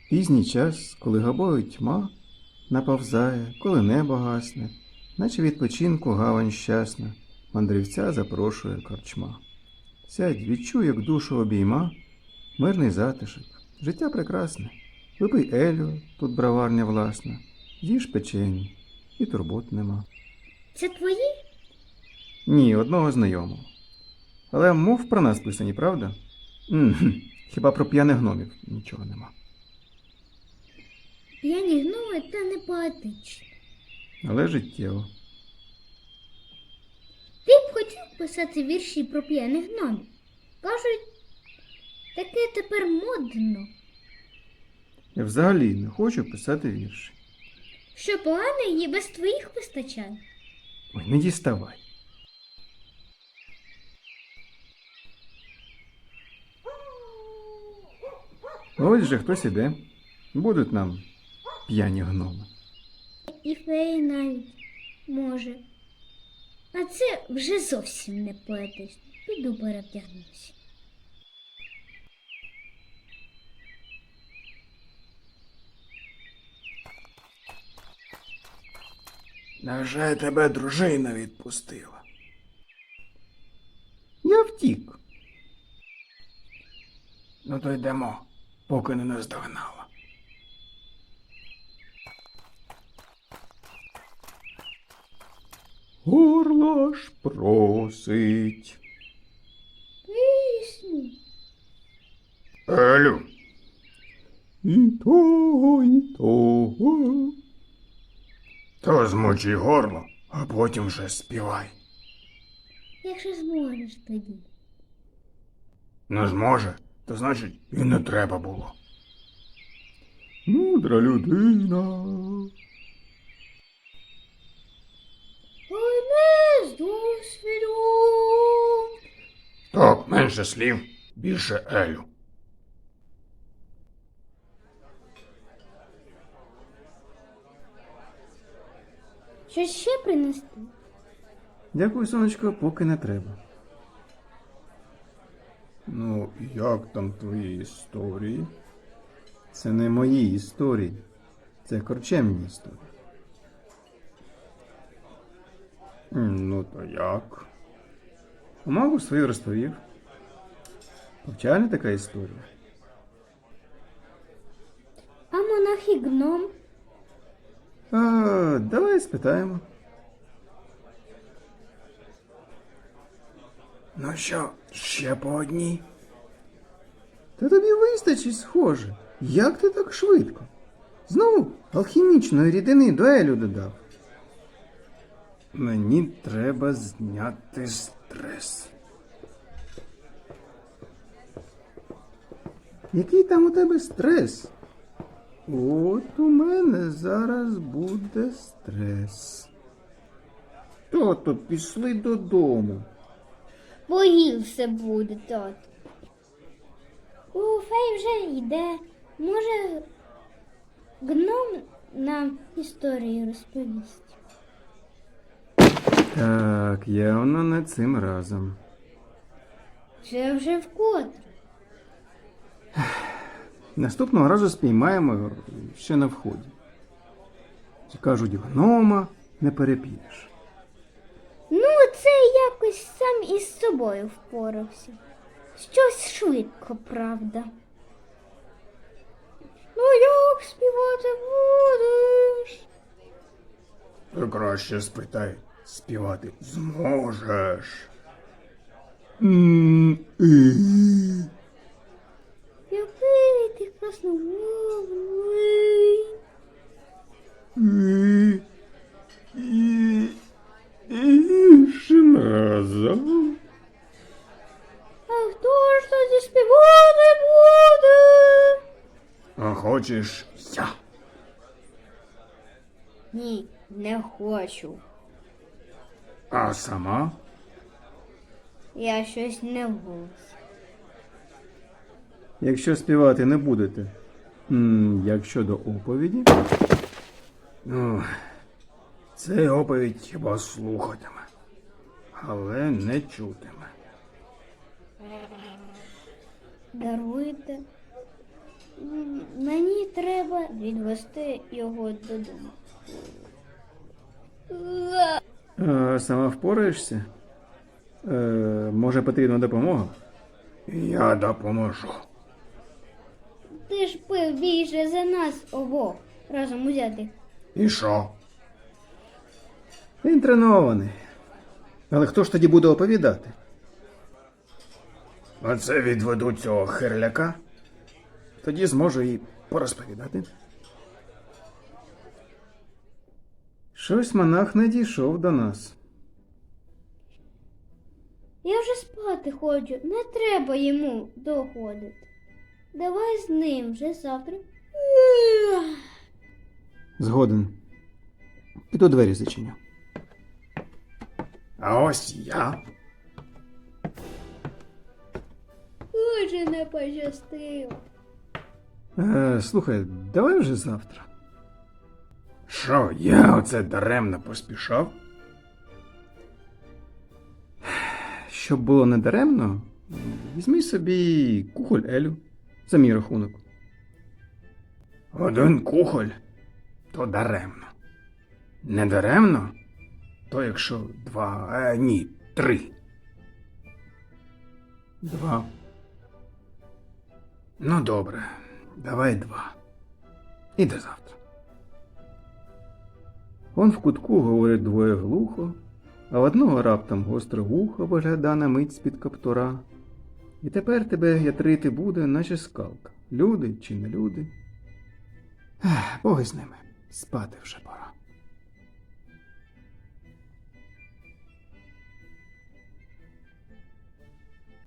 Пізній час, коли габою тьма наповзає, коли небо гасне, наче відпочинку гавань щасна, мандрівця запрошує корчма. Сядь, відчуй, як душу обійма, мирний затишок, життя прекрасне. Випий Елю, тут браварня власна, їж печені, і турбот нема. Це твої? Ні, одного знайомого. Але мов про нас писані, правда? Хіба про п'яних гномів нічого нема. П'яні гноми та не поетичні. Але життєво. Ти б хотів писати вірші про п'яних гномів? Кажуть, таке тепер модно. Я взагалі не хочу писати вірші. Що погане її без твоїх вистачає. Ой, не діставай. Ось же хтось іде. Будуть нам п'яні гноми. І феї навіть може. А це вже зовсім не поетично. Піду перевдягнуся. Невже тебе дружина відпустила? Я втік. Ну то йдемо, поки не наздогнала. Горло ж просить. Пісню. Елю, І того, і того. то змочи горло, а потім вже співай. Якщо зможеш тоді. Не зможе, то значить і не треба було. Мудра людина. Ой, не з досвіду. Так, менше слів, більше Елю. Щось ще принести? Дякую, сонечко, поки не треба. Ну, як там твої історії? Це не мої історії. Це корчемні історії. Ну, то як? Маму свою розповів. Повчальна така історія. А монах і гном? Давай спитаємо. Ну що, ще по одній? Та тобі вистачить, схоже. Як ти так швидко? Знову алхімічної рідини до Елю додав. Мені треба зняти стрес. Який там у тебе стрес? От у мене зараз буде стрес. Тото, пішли додому. Погірше буде, тато. У фей вже йде. Може, гном нам історію розповість. Так, явно не цим разом. Це вже вкотре. Наступного разу спіймаємо його ще на вході. Кажуть, гнома не переп'єш. Ну, це якось сам із собою впорався. Щось швидко, правда. Ну, як співати будеш? Ти краще спитай, співати зможеш. Який ти красномовний. Іншим разом. А хто ж тоді співати буде? А хочеш я? Ні, не хочу. А сама? Я щось не голос. Якщо співати не будете, як щодо оповіді, Ну, цей оповідь хіба слухатиме, але не чутиме. Даруйте. Мені треба відвести його додому. Сама впораєшся? Може, потрібна допомога? Я допоможу. Ти ж пив більше за нас обох разом узятих. І що? Він тренований. Але хто ж тоді буде оповідати? Оце відведу цього хирляка. Тоді зможу і порозповідати. Щось монах не дійшов до нас. Я вже спати хочу, не треба йому доходити. Давай з ним вже завтра. Згоден. Піду двері зачиню. А ось я. Дуже не пощастило. Слухай, давай вже завтра. Що, я оце даремно поспішав? Щоб було недаремно, візьми собі кухоль Елю за мій рахунок. Один кухоль, то даремно. Не даремно, то якщо ні, 3. 2. Ну добре, давай 2. І до завтра. Он в кутку говорить двоє глухо, а в одного раптом гостре вухо вигляда на мить з-під каптура. І тепер тебе ятрити буде, наче скалка. Люди чи не люди. Боги з ними, спати вже пора.